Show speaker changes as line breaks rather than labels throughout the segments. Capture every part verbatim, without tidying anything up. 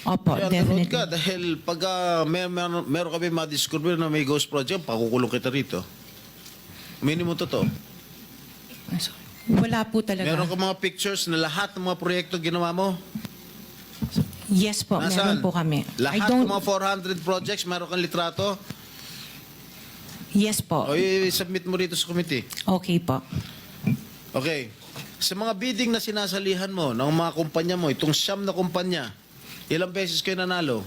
Opo,
Kaya
definitely.
nanood ka dahil pag uh, mer mer meron kami madiscover na may ghost project, pakukulong kita rito. Minimum totoo.
Wala po talaga.
Meron ka mga pictures na lahat ng mga proyekto ginawa mo?
Yes po, meron po kami. I
Lahat
don't,
ng mga four hundred projects, meron kang litrato?
yes po.
O i-submit mo rito sa committee.
Okay po.
Okay. Sa mga bidding na sinasalihan mo ng mga kumpanya mo, itong siyam na kumpanya, ilang beses kayo nanalo?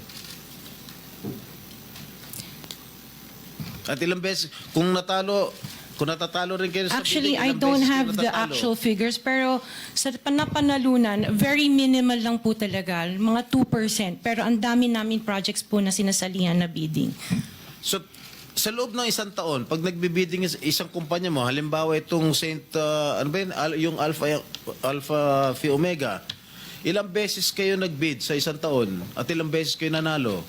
At ilang beses, kung natalo, kung natatalo rin kayo sa
Actually,
bidding,
I
ilang
don't
beses kayo
have the
natatalo?
actual figures, pero sa panapanalunan, very minimal lang po talaga, mga two percent. Pero ang dami namin projects po na sinasalihan na bidding.
So, sa loob ng isang taon, pag nagbibidding is- isang kumpanya mo, halimbawa itong Saint, uh, ano ba yun, Al- yung Alpha, Alpha Phi Omega, ilang beses kayo nagbid sa isang taon at ilang beses kayo nanalo?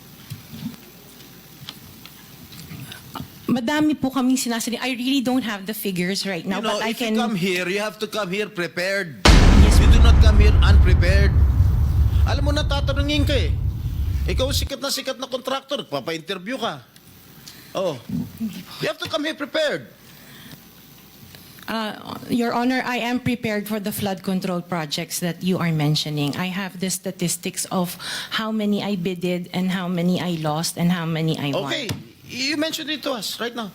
Madami po kaming sinasali. I really don't have the figures right now,
you know,
but I
if
can...
you come here, you have to come here prepared.
Yes,
You do not come here unprepared. Alam mo, natatanungin ka eh. Ikaw sikat na sikat na contractor, papa-interview ka. Oh. You have to come here prepared.
Uh, Your Honor, I am prepared for the flood control projects that you are mentioning. I have the statistics of how many I bidded and how many I lost and how many I won.
Okay. You mentioned it to us right now.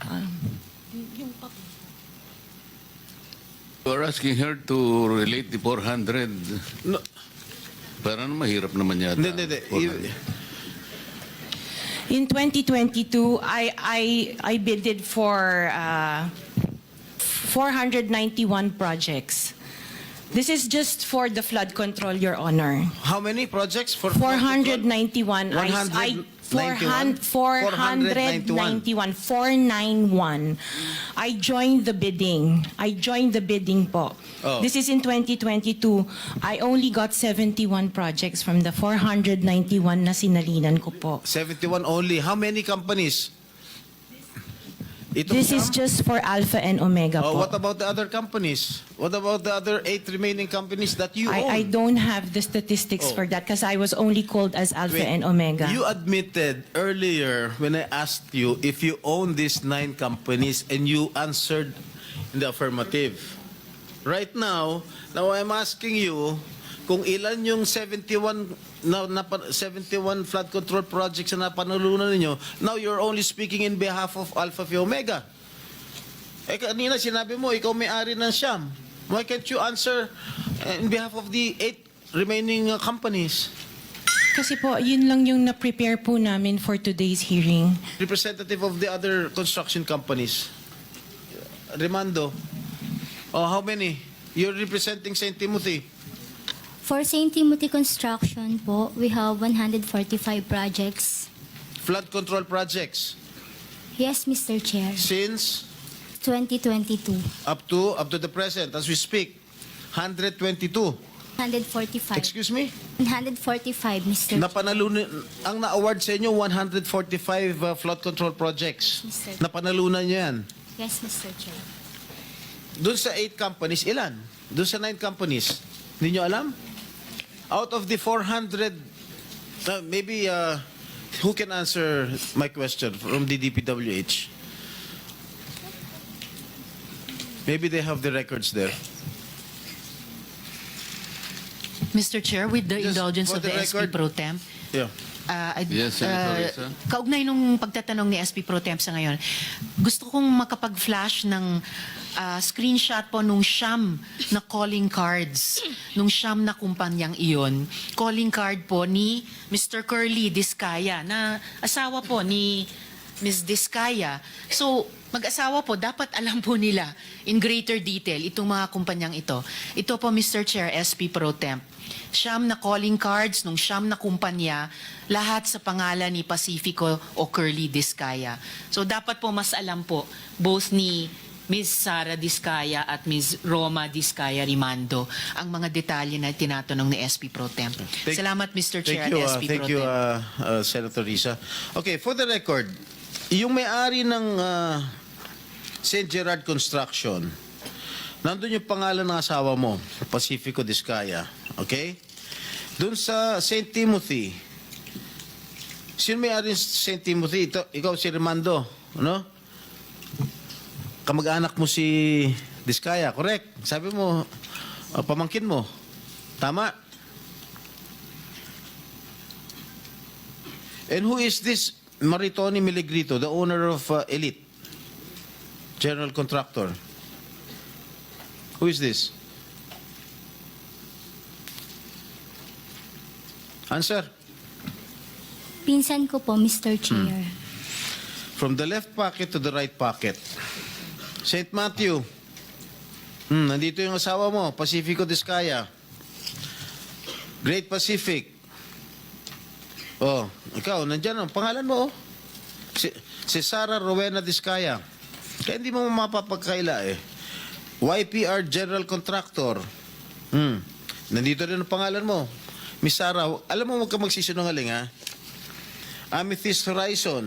You're asking her to relate the four hundred.
No,
Parang mahirap naman yata.
hindi, hindi, hindi.
four hundred.
In twenty twenty-two, I I I bidded for uh, four hundred ninety-one projects. This is just for the flood control, Your Honor.
How many projects for
four hundred ninety-one. I, I, four hundred, four hundred ninety-one. four ninety-one. I joined the bidding. I joined the bidding po.
Oh.
This is in twenty twenty-two. I only got seventy-one projects from the four hundred ninety-one na sinalinan ko po.
seventy-one only. How many companies? Ito
This is just for Alpha and Omega
Oh,
po.
what about the other companies? What about the other eight remaining companies that you own?
I, I don't have the statistics
Oh.
for that because I was only called as Alpha
Wait,
and Omega.
You admitted earlier when I asked you if you own these nine companies and you answered in the affirmative. Right now, now I'm asking you kung ilan yung seventy-one na, na seventy-one flood control projects na napanalunan ninyo. Now you're only speaking in behalf of Alpha Phi Omega. Eh kanina sinabi mo ikaw may-ari ng Siam. Why can't you answer uh, in behalf of the eight remaining uh, companies?
Kasi po, yun lang yung na-prepare po namin for today's hearing.
Representative of the other construction companies. Remando. Oh, how many? You're representing Saint Timothy.
For Saint Timothy Construction po, we have one hundred forty-five projects.
Flood control projects.
Yes, Mister Chair.
Since
twenty twenty-two.
up to up to the present as we speak. one hundred twenty-two.
one hundred forty-five.
Excuse me?
one hundred forty-five, Mister Chair.
Napanalunan ang na-award sa inyo one hundred forty-five uh, flood control projects.
Yes, sir.
Napanalunan niyo yan.
Yes, Mister Chair.
Doon sa eight companies, ilan? Doon sa nine companies, hindi nyo alam? Out of the four hundred, uh, maybe uh, who can answer my question from the D P W H? Maybe they have the records there.
Mister Chair, with the
Just
indulgence
for
of
the
the S P
record-
Pro Temp,
Yeah.
uh, I'd-
Yes, Senator
uh,
Risa.
kaugnay nung pagtatanong ni S P Pro Temp sa ngayon, gusto kong makapag-flash ng uh, screenshot po nung siyam na calling cards, nung siyam na kumpanyang iyon. Calling card po ni Mister Curly Discaya, na asawa po ni Miz Discaya. So, mag-asawa po, dapat alam po nila in greater detail itong mga kumpanyang ito. Ito po, Mister Chair, S P Pro Temp. Siyam na calling cards nung siyam na kumpanya, lahat sa pangalan ni Pacifico o Curly Discaya. So, dapat po mas alam po, both ni Miz Sara Discaya at Miz Roma Discaya Rimando ang mga detalye na tinatanong ni S P Pro Temp.
Thank-
Salamat, Mister Chair
Thank you,
at
uh,
S P
thank
Pro
you,
Temp.
uh, uh, Senator Risa. Okay, for the record, yung may-ari ng uh, Saint Gerard Construction, nandun yung pangalan ng asawa mo, Pacifico Discaya. Okay? Doon sa Saint Timothy, sino may-ari ng Saint Timothy? Ito, ikaw si Remando, ano? Kamag-anak mo si Diskaya, correct? Sabi mo, uh, pamangkin mo. Tama? And who is this Maritoni Miligrito, the owner of uh, Elite? General contractor. Who is this? Answer.
Pinsan ko po, Mister Chair.
From the left pocket to the right pocket. Saint Matthew. Hmm, nandito yung asawa mo, Pacifico Discaya. Great Pacific. Oh, ikaw, nandyan ang pangalan mo, oh. Si, si Sarah Rowena Discaya. Kaya hindi mo mapapagkaila, eh. Y P R General Contractor. Hmm, nandito rin ang pangalan mo. Miss Sarah, alam mo, huwag ka magsisinungaling, ha? Amethyst Horizon.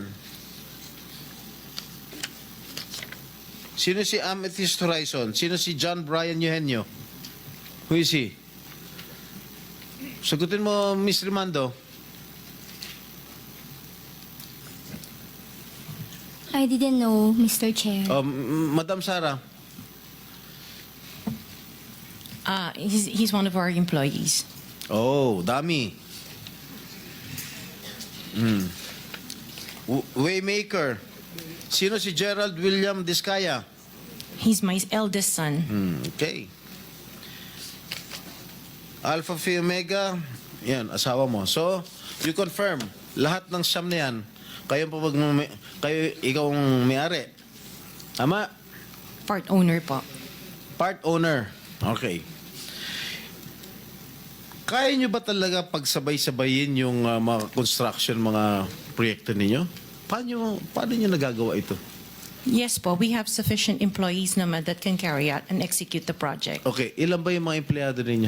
Sino si Amethyst Horizon? Sino si John Brian Eugenio? Who is he? Sagutin mo, Miss Rimando.
I didn't know, Mister Chair.
Um, Madam Sarah.
Uh, he's, he's one of our employees.
Oh, dami. Hmm. W- Waymaker. Sino si Gerald William Discaya?
He's my eldest son.
Hmm, okay. Alpha Phi Omega, yan, asawa mo. So, you confirm, lahat ng siyam na yan, kayo, pa pag, kayo ikaw ang may-ari. Tama?
Part owner po.
Part owner. Okay. Kaya nyo ba talaga pagsabay-sabayin yung uh, mga construction, mga proyekto ninyo? Paano, paano nyo nagagawa ito?
Yes po, we have sufficient employees naman that can carry out and execute the project.
Okay, ilan ba yung mga empleyado ninyo?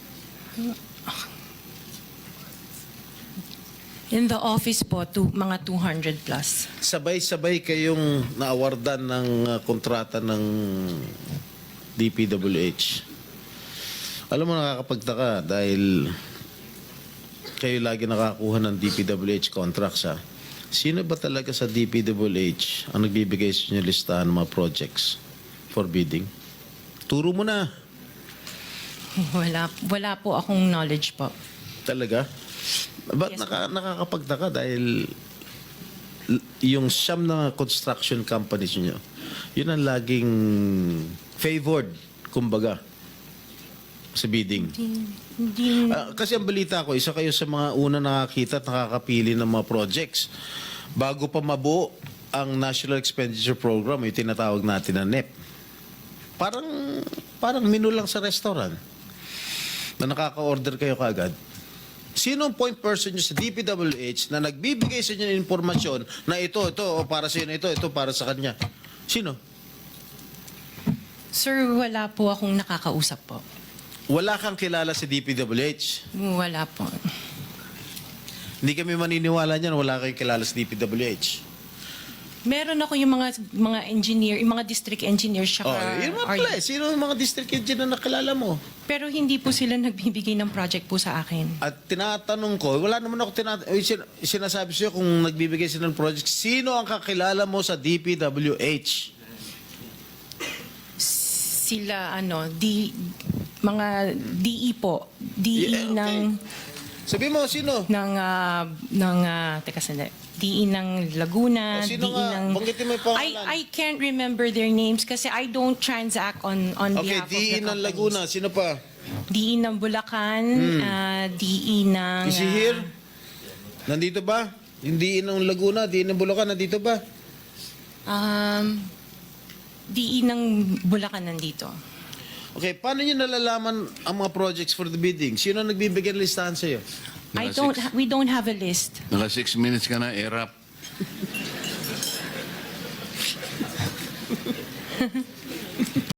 In the office po, to, mga two hundred plus.
Sabay-sabay kayong naawardan ng uh, kontrata ng D P W H. Alam mo, nakakapagtaka dahil kayo lagi nakakuha ng D P W H contracts, ha? Sino ba talaga sa D P W H ang nagbibigay sa inyo listahan ng mga projects for bidding? Turo mo na.
Wala, wala po akong knowledge po.
Talaga? Ba't
Yes,
naka, nakakapagtaka dahil l- yung siyam na construction companies nyo, yun ang laging favored, kumbaga, sa bidding.
Hindi,
Ah, kasi ang balita ko, isa kayo sa mga una nakakita at nakakapili ng mga projects. Bago pa mabuo ang National Expenditure Program, yung tinatawag natin na N E P. Parang, parang menu lang sa restaurant na nakaka-order kayo kaagad. Sino ang point person nyo sa D P W H na nagbibigay sa inyo ng informasyon na ito, ito, o para sa inyo, ito, ito, para sa kanya? Sino?
sir, wala po akong nakakausap po.
Wala kang kilala sa D P W H.
Wala po.
Hindi kami maniniwala niyan, wala kayong kilala sa D P W H.
Meron ako yung mga mga engineer, yung mga district engineer siya.
Oh, yun mga pala. eh. Sino ang mga district engineer na nakilala mo?
Pero hindi po sila nagbibigay ng project po sa akin.
At tinatanong ko, wala naman ako tinat eh, sin- sinasabi sa'yo kung nagbibigay sila ng project, sino ang kakilala mo sa D P W H?
Sila ano, D, mga D E po. D E
Yeah, okay.
ng
Sabi mo, sino?
ng ah, ng ah, teka sandali. D E ng Laguna,
O, sino
D E
nga?
ng
Banggitin mo yung pangalan.
I I can't remember their names kasi I don't transact on on
Okay,
behalf
D E
of the
ng
companies.
Laguna, sino pa?
D E ng Bulacan, ah, D E ng
Is he
ah,
here? Nandito ba? Yung D E ng Laguna, D E ng Bulacan, nandito ba?
Um, D E ng Bulacan nandito.
Okay, paano nyo nalalaman ang mga projects for the bidding? Sino ang nagbibigay ng listahan sa'yo?
I
Naka
don't
six-
ha- we don't have a list.
Naka six minutes ka na, erap.